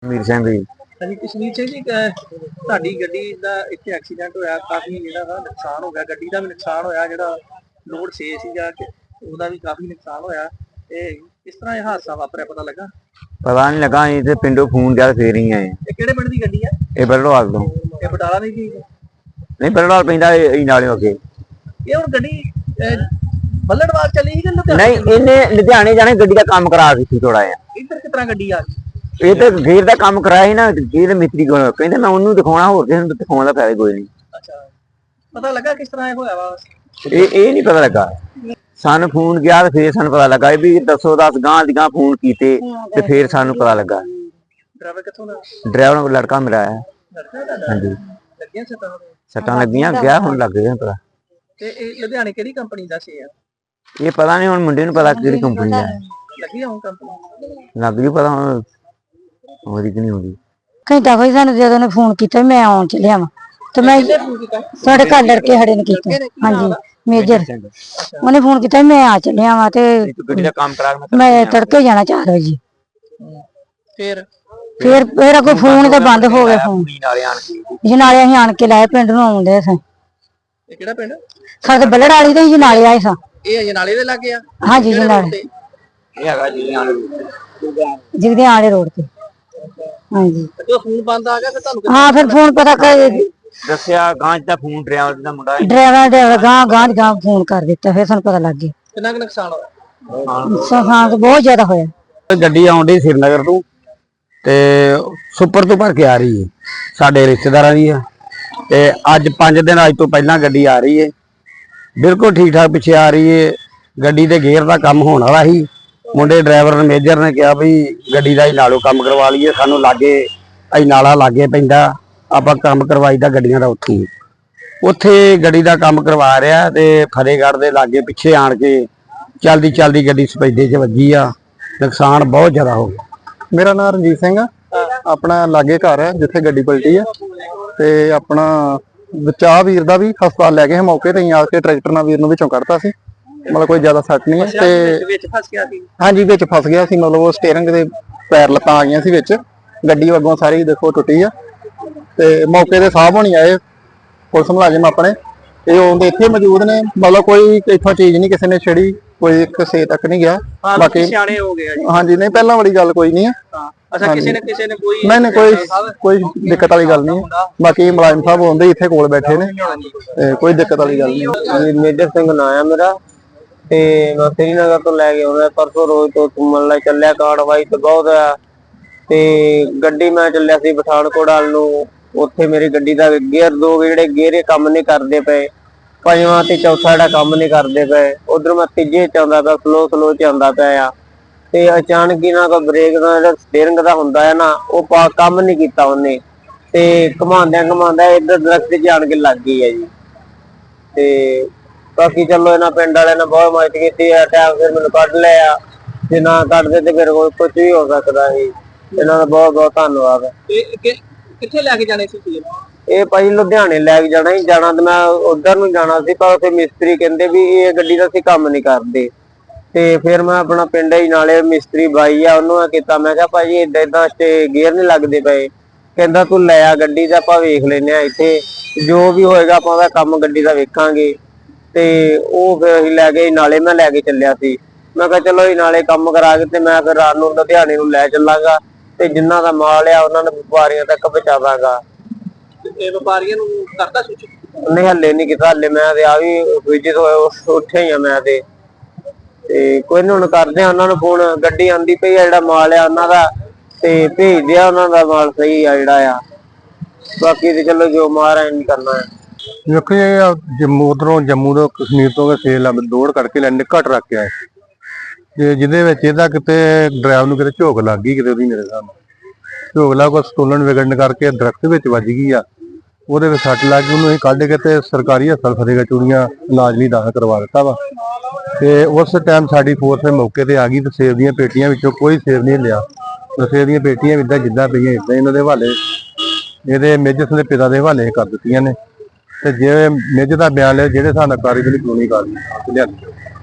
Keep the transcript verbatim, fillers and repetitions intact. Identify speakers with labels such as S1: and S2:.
S1: मीर सिंह जी।
S2: ਹਾਂਜੀ ਕਸ਼ਮੀਰ ਸਿੰਘ ਜੀ ਅਹ ਤੁਹਾਡੀ ਗੱਡੀ ਦਾ ਇੱਥੇ ਐਕਸੀਡੈਂਟ ਹੋਇਆ, ਕਾਫੀ ਜਿਹੜਾ ਵਾ ਨੁਕਸਾਨ ਹੋ ਗਿਆ, ਗੱਡੀ ਦਾ ਵੀ ਨੁਕਸਾਨ ਹੋਇਆ, ਜਿਹੜਾ ਲੋਡ ਛੇ ਸੀਗਾ ਕਿ ਉਹਦਾ ਵੀ ਕਾਫੀ ਨੁਕਸਾਨ ਹੋਇਆ। ਇਹ ਕਿਸ ਤਰ੍ਹਾਂ ਇਹ ਹਾਦਸਾ ਵਾਪਰਿਆ ਪਤਾ ਲੱਗਾ?
S1: पता नहीं लगा अं तो पिंडों फोन किया फिर ही आए।
S2: ਇਹ ਕਿਹੜੇ ਪਿੰਡ ਦੀ ਗੱਡੀ ਆ?
S1: ये बरड़वाल तो
S2: ਇਹ ਬਟਾਲਾ ਦੀ ਸੀ?
S1: नहीं बरड़वाल पैंदा नाले अगे।
S2: ਇਹ ਹੁਣ ਗੱਡੀ ਅਹ, ਬੱਲੜਵਾਲ चली ਸੀ कि लुधियाने?
S1: नहीं इन्हें लुधियाने जाने गड्डी का काम करा दी थी थोड़ा जिहा।
S2: ਇੱਧਰ ਕਿਸ ਤਰ੍ਹਾਂ ਗੱਡੀ ਆ ਗਈ?
S1: ये तो गेर का काम कराया ही ना, गेर मिस्त्री को कहते मैं उन्होंने दिखाना होर किसी को दिखाने का फायदा कोई नहीं।
S2: ਅੱਛਾ ਪਤਾ ਲੱਗਾ ਕਿਸ ਤਰ੍ਹਾਂ ਇਹ ਹੋਇਆ ਵਾ?
S1: ये ये नहीं पता लगा। सानू फोन किया तो फिर सानू पता लगा भी दसो दस गांह दी गांह फोन कीते ते फिर सानू पता लगा।
S2: ड्राइवर कित्थों दा?
S1: ड्राइवर लड़का मेरा है।
S2: लड़का दा?
S1: हाँ जी
S2: ਲੱਗੀਆਂ ਸੱਟਾਂ?
S1: सट्टां लगियां गया हुण लग गया पता।
S2: ਤੇ ਇਹ ਲੁਧਿਆਣੇ ਕਿਹੜੀ ਕੰਪਨੀ ਦਾ ਸੀ?
S1: ये पता नहीं हुण मुंडे नूं पता किहड़ी कंपनी दा
S2: ਲੱਗੀ ਹੋਂ ਕੰਪਨੀ?
S1: लग गई पता हुण होदी कि नहीं होदी।
S3: ਘੰਟਾ ਕੋਈ ਸਾਨੂੰ ਜਦੋਂ ਨੇ ਫੋਨ ਕੀਤਾ ਮੈਂ ਆਉਣ ਚੱਲਿਆ ਵਾਂ ਤੇ ਮੈਂ ਤੁਹਾਡੇ ਘਰ ਲੜਕੇ ਖੜੇ ਨੇ ਕੀਤਾ। ਹਾਂਜੀ ਮੇਜਰ ਉਹਨੇ ਫੋਨ ਕੀਤਾ ਮੈਂ ਆ ਚੱਲਿਆ ਵਾਂ ਤੇ
S1: ਗੱਡੀ ਦਾ ਕੰਮ ਕਰਾ ਕੇ
S3: ਮੈਂ ਤੜਕੇ ਜਾਣਾ ਚਾਰ ਵਜੇ।
S2: ਫਿਰ
S3: ਫਿਰ ਫਿਰ ਅੱਗੋਂ ਫੋਨ ਤੇ ਬੰਦ ਹੋ ਗਿਆ ਫੋਨ।
S1: ਨਾਲੇ ਆਣ ਕੇ
S3: ਜਨਾਲੇ ਅਸੀਂ ਆਣ ਕੇ ਲਾਏ ਪਿੰਡ ਨੂੰ ਆਉਂਦੇ ਸਾਂ।
S2: ਇਹ ਕਿਹੜਾ ਪਿੰਡ?
S3: ਸਾਡੇ ਬੱਲੜ ਵਾਲੀ ਤੇ ਜਨਾਲੇ ਆਏ ਸਾਂ।
S2: ਇਹ ਅਜਨਾਲੇ ਦੇ ਲੱਗੇ ਆ?
S3: ਹਾਂਜੀ ਜਨਾਲੇ
S1: ਇਹ ਹੈਗਾ ਜੀ ਆਣ
S3: ਜਿਗਦੇ ਆਲੇ ਰੋਡ ਤੇ। ਹਾਂਜੀ
S2: ਜਦੋਂ ਫੋਨ ਬੰਦ ਆ ਗਿਆ ਫਿਰ ਤੁਹਾਨੂੰ
S3: ਹਾਂ ਫਿਰ ਫੋਨ ਪਤਾ ਕਰ
S1: ਦੱਸਿਆ ਗਾਂ ਦਾ ਫੋਨ ਡਰਾਈਵਰ ਦਾ ਮੁੰਡਾ
S3: ਡਰਾਈਵਰ ਡਰਾਈਵਰ ਗਾਂ ਗਾਂ ਗਾਂ ਫੋਨ ਕਰ ਦਿੱਤਾ ਫਿਰ ਸਾਨੂੰ ਪਤਾ ਲੱਗ ਗਿਆ।
S2: ਕਿੰਨਾ ਕੁ ਨੁਕਸਾਨ ਹੋਇਆ?
S3: ਨੁਕਸਾਨ ਤਾਂ ਬਹੁਤ ਜ਼ਿਆਦਾ ਹੋਇਆ।
S1: ਗੱਡੀ ਆਉਂਦੀ ਸ਼੍ਰੀਨਗਰ ਤੋਂ ਤੇ ਸੁਪਰ ਤੋਂ ਭਰ ਕੇ ਆ ਰਹੀ ਹੈ, ਸਾਡੇ ਰਿਸ਼ਤੇਦਾਰਾਂ ਦੀ ਆ ਤੇ ਅੱਜ ਪੰਜ ਦਿਨ ਅੱਜ ਤੋਂ ਪਹਿਲਾਂ ਗੱਡੀ ਆ ਰਹੀ ਹੈ, ਬਿਲਕੁਲ ਠੀਕ ਠਾਕ ਪਿੱਛੇ ਆ ਰਹੀ ਹੈ। ਗੱਡੀ ਦੇ ਗੇਅਰ ਦਾ ਕੰਮ ਹੋਣ ਵਾਲਾ ਸੀ, ਮੁੰਡੇ ਡਰਾਈਵਰ ਨੇ ਮੇਜਰ ਨੇ ਕਿਹਾ ਵੀ ਗੱਡੀ ਦਾ ਹੀ ਨਾਲੋਂ ਕੰਮ ਕਰਵਾ ਲਈਏ, ਸਾਨੂੰ ਲਾਗੇ ਅਸੀਂ ਨਾਲਾ ਲਾਗੇ ਪੈਂਦਾ ਆਪਾਂ ਕੰਮ ਕਰਵਾਈਦਾ ਗੱਡੀਆਂ ਦਾ ਉੱਥੇ ਉੱਥੇ ਗੱਡੀ ਦਾ ਕੰਮ ਕਰਵਾ ਰਿਹਾ ਤੇ ਫਤਿਹਗੜ੍ਹ ਦੇ ਲਾਗੇ ਪਿੱਛੇ ਆਣ ਕੇ ਚਲਦੀ ਚਲਦੀ ਗੱਡੀ ਸਪੈਦੇ 'ਚ ਵੱਜੀ ਆ, ਨੁਕਸਾਨ ਬਹੁਤ ਜ਼ਿਆਦਾ ਹੋ ਗਿਆ।
S4: ਮੇਰਾ ਨਾਮ ਰਣਜੀਤ ਸਿੰਘ ਆ, ਆਪਣਾ ਲਾਗੇ ਘਰ ਹੈ ਜਿੱਥੇ ਗੱਡੀ ਪਲਟੀ ਆ ਤੇ ਆਪਣਾ ਬਚਾਅ ਵੀਰ ਦਾ ਵੀ ਹਸਪਤਾਲ ਲੈ ਗਏ ਮੌਕੇ ਤੇ ਆ ਕੇ ਟਰੈਕਟਰ ਨਾਲ ਵੀਰ ਨੂੰ ਵਿੱਚੋਂ ਕੱਢਤਾ ਸੀ, ਮਤਲਬ ਕੋਈ ਜ਼ਿਆਦਾ ਸੱਟ ਨਹੀਂ ਹੈ ਤੇ
S2: ਵਿੱਚ ਫਸ ਗਿਆ ਸੀ?
S4: ਹਾਂਜੀ ਵਿੱਚ ਫਸ ਗਿਆ ਸੀ, ਮਤਲਬ ਉਹ ਸਟੀਅਰਿੰਗ ਦੇ ਪੈਰ ਲੱਤਾਂ ਆ ਗਈਆਂ ਸੀ ਵਿੱਚ, ਗੱਡੀ ਅੱਗੋਂ ਸਾਰੀ ਦੇਖੋ ਟੁੱਟੀ ਆ ਤੇ ਮੌਕੇ ਤੇ ਸਾਹਿਬ ਹੋਣੀ ਆਏ ਪੁਲਿਸ ਮੁਲਾਜ਼ਮ ਆਪਣੇ, ਇਹ ਉਹਦੇ ਇੱਥੇ ਮੌਜੂਦ ਨੇ, ਮਤਲਬ ਕੋਈ ਇੱਥੋਂ ਚੀਜ਼ ਨਹੀਂ ਕਿਸੇ ਨੇ ਛੇੜੀ, ਕੋਈ ਕਿਸੇ ਤੱਕ ਨਹੀਂ ਗਿਆ।
S2: ਬਾਕੀ ਸਿਆਣੇ ਹੋ ਗਏ ਜੀ?
S4: ਹਾਂਜੀ ਨਹੀਂ ਪਹਿਲਾਂ ਵਾਲੀ ਗੱਲ ਕੋਈ ਨਹੀਂ ਹੈ।
S2: ਅੱਛਾ ਕਿਸੇ ਨੇ ਕਿਸੇ ਨੇ ਕੋਈ
S4: ਨਹੀਂ ਨਹੀਂ ਕੋਈ ਕੋਈ ਦਿੱਕਤ ਵਾਲੀ ਗੱਲ ਨਹੀਂ, ਬਾਕੀ ਮੁਲਾਜ਼ਮ ਸਾਹਿਬ ਹੁੰਦੇ ਇੱਥੇ ਕੋਲ ਬੈਠੇ ਨੇ ਤੇ ਕੋਈ ਦਿੱਕਤ ਵਾਲੀ ਗੱਲ ਨਹੀਂ।
S1: ਮੇਜਰ ਸਿੰਘ ਨਾਂ ਆ ਮੇਰਾ ਤੇ ਮੈਂ ਸ਼੍ਰੀਨਗਰ ਤੋਂ ਲੈ ਕੇ ਆਉਂਦਾ ਪਰਸੋਂ ਰੋਜ਼ ਤੋਂ ਘੁੰਮਣ ਲਈ ਚੱਲਿਆ, ਕਾਰਵਾਈ ਤੇ ਬਹੁਤ ਆ ਤੇ ਗੱਡੀ ਮੈਂ ਚੱਲਿਆ ਸੀ ਪਠਾਨਕੋਟ ਵੱਲ ਨੂੰ, ਉੱਥੇ ਮੇਰੀ ਗੱਡੀ ਦਾ ਗੇਅਰ ਦੋ ਜਿਹੜੇ ਗੇਅਰੇ ਕੰਮ ਨਹੀਂ ਕਰਦੇ ਪਏ, ਪੰਜਵਾਂ ਤੇ ਚੌਥਾ ਜਿਹੜਾ ਕੰਮ ਨਹੀਂ ਕਰਦੇ ਪਏ, ਉਧਰ ਮੈਂ ਤੀਜੇ ਚ ਆਉਂਦਾ ਪਿਆ, ਸਲੋ ਸਲੋ ਚ ਆਉਂਦਾ ਪਿਆ ਆ ਤੇ ਅਚਾਨਕ ਹੀ ਨਾ ਕੋਈ ਬ੍ਰੇਕ ਦਾ ਜਿਹੜਾ ਸਟੀਅਰਿੰਗ ਦਾ ਹੁੰਦਾ ਹੈ ਨਾ ਉਹ ਕੰਮ ਨਹੀਂ ਕੀਤਾ ਉਹਨੇ ਤੇ ਘੁਮਾਉਂਦਿਆਂ ਘੁਮਾਉਂਦਾ ਇੱਧਰ ਦਰਖਤ 'ਚ ਆਣ ਕੇ ਲੱਗ ਗਈ ਹੈ ਜੀ। ਤੇ ਬਾਕੀ ਚਲੋ ਇਹਨਾਂ ਪਿੰਡ ਵਾਲਿਆਂ ਨੇ ਬਹੁਤ ਮਦਦ ਕੀਤੀ ਆ, ਟਾਈਮ ਫਿਰ ਮੈਨੂੰ ਕੱਢ ਲਿਆ, ਜੇ ਨਾ ਕੱਢਦੇ ਤੇ ਫਿਰ ਕੁਝ ਵੀ ਹੋ ਸਕਦਾ ਸੀ। ਇਹਨਾਂ ਦਾ ਬਹੁਤ ਬਹੁਤ ਧੰਨਵਾਦ।
S2: ਕਿੱਥੇ ਲੈ ਕੇ ਜਾਣੇ ਸੀ?
S1: ਇਹ ਭਾਈ ਲੁਧਿਆਣੇ ਲੈ ਕੇ ਜਾਣਾ ਹੀ ਜਾਣਾ ਤੇ ਮੈਂ ਉਧਰ ਨੂੰ ਜਾਣਾ ਸੀ, ਪਰ ਉੱਥੇ ਮਿਸਤਰੀ ਕਹਿੰਦੇ ਵੀ ਇਹ ਗੱਡੀ ਦਾ ਅਸੀਂ ਕੰਮ ਨਹੀਂ ਕਰਦੇ ਤੇ ਫਿਰ ਮੈਂ ਆਪਣਾ ਪਿੰਡ ਹੀ ਨਾਲੇ ਮਿਸਤਰੀ ਬਾਈ ਆ ਉਹਨੂੰ ਕੀਤਾ, ਮੈਂ ਕਿਹਾ ਭਾਜੀ ਏਦਾਂ ਏਦਾਂ ਤੇ ਗੇਅਰ ਨਹੀਂ ਲੱਗਦੇ ਪਏ, ਕਹਿੰਦਾ ਤੂੰ ਲੈ ਆ ਗੱਡੀ ਦਾ ਆਪਾਂ ਵੇਖ ਲੈਨੇ ਆ ਇੱਥੇ ਜੋ ਵੀ ਹੋਏਗਾ ਆਪਾਂ ਉਹਦਾ ਕੰਮ ਗੱਡੀ ਦਾ ਵੇਖਾਂਗੇ ਤੇ ਉਹ ਫਿਰ ਅਸੀਂ ਲੈ ਗਏ ਨਾਲੇ, ਮੈਂ ਲੈ ਕੇ ਚੱਲਿਆ ਸੀ, ਮੈਂ ਕਿਹਾ ਚਲੋ ਇਹ ਨਾਲੇ ਕੰਮ ਕਰਾ ਕੇ ਤੇ ਮੈਂ ਫਿਰ ਰਾਤ ਨੂੰ ਲੁਧਿਆਣੇ ਨੂੰ ਲੈ ਚੱਲਾਂਗਾ ਤੇ ਜਿੰਨਾ ਦਾ ਮਾਲ ਆ ਉਹਨਾਂ ਨੂੰ ਵਪਾਰੀਆਂ ਤੱਕ ਪਹੁੰਚਾਵਾਂਗਾ।
S2: ਇਹ ਵਪਾਰੀਆਂ ਨੂੰ ਕਰਦਾ ਸੂਚਿਤ?
S1: ਨਹੀਂ ਹੱਲੇ ਨਹੀਂ ਕੀਤਾ, ਹੱਲੇ ਮੈਂ ਤੇ ਆ ਵੀ ਵਿਜਿਟ ਹੋਇਆ ਉੱਠਿਆ ਹੀ ਆ ਮੈਂ ਤੇ ਤੇ ਕੋਈ ਨਹੀਂ ਹੁਣ ਕਰਦੇ ਆ ਉਹਨਾਂ ਨੂੰ ਫੋਨ, ਗੱਡੀ ਆਂਦੀ ਪਈ ਆ, ਜਿਹੜਾ ਮਾਲ ਆ ਉਹਨਾਂ ਦਾ ਤੇ ਭੇਜਦੇ ਆ ਉਹਨਾਂ ਦਾ ਮਾਲ ਸਹੀ ਆ ਜਿਹੜਾ ਆ, ਬਾਕੀ ਤੇ ਚਲੋ ਜੋ ਮਾਰਾ ਨਹੀਂ ਕਰਨਾ ਹੈ।
S4: ਦੇਖੋ ਇਹ ਜੰਮੂ ਉਧਰੋਂ ਜੰਮੂ ਤੋਂ ਕਸ਼ਮੀਰ ਤੋਂ ਸੇਲ ਦੌੜ ਕਰਕੇ ਲੈਣੇ ਘੱਟ ਰੱਖ ਕੇ ਆਏ ਤੇ ਜਿਹਦੇ ਵਿੱਚ ਇਹਦਾ ਕਿਤੇ ਡਰਾਈਵਰ ਨੂੰ ਕਿਤੇ ਝੋਕ ਲੱਗ ਗਈ, ਕਿਤੇ ਉਹਦੀ ਮੇਰੇ ਸਾਹਮਣੇ ਝੋਕ ਲੱਗ ਕੋ ਸਟੋਲਨ ਵਿਗੜਨ ਕਰਕੇ ਦਰਖਤ ਵਿੱਚ ਵੱਜ ਗਈ ਆ, ਉਹਦੇ ਵਿੱਚ ਸੱਟ ਲੱਗ ਗਈ, ਉਹਨੂੰ ਅਸੀਂ ਕੱਢ ਕੇ ਤੇ ਸਰਕਾਰੀ ਹਸਪਤਾਲ ਫਤਿਹਗੜ੍ਹ ਚੂੜੀਆਂ ਇਲਾਜ ਲਈ ਦਾਖਲ ਕਰਵਾ ਦਿੱਤਾ ਵਾ ਤੇ ਉਸ ਟਾਈਮ ਸਾਡੀ ਫੋਰਸ ਮੌਕੇ ਤੇ ਆ ਗਈ ਤੇ ਸੇਬ ਦੀਆਂ ਪੇਟੀਆਂ ਵਿੱਚੋਂ ਕੋਈ ਸੇਬ ਨਹੀਂ ਲਿਆ, ਸੇਬ ਦੀਆਂ ਪੇਟੀਆਂ ਇਦਾਂ ਜਿੱਦਾਂ ਪਈਆਂ ਇਦਾਂ ਇਹਨਾਂ ਦੇ ਹਵਾਲੇ, ਇਹਦੇ ਮੇਜਰ ਦੇ ਪਿਤਾ ਦੇ ਹਵਾਲੇ ਕਰ ਦਿੱਤੀਆਂ ਨੇ ਤੇ ਜੇ ਮੇਜਰ ਦਾ ਬਿਆਨ ਲਿਆ ਜਿਹੜੇ ਹਿਸਾਬ ਨਾਲ ਕਾਰਵਾਈ ਕਾਨੂੰਨੀ ਕਾਰਵਾਈ ਲਿਆਂਦੀ।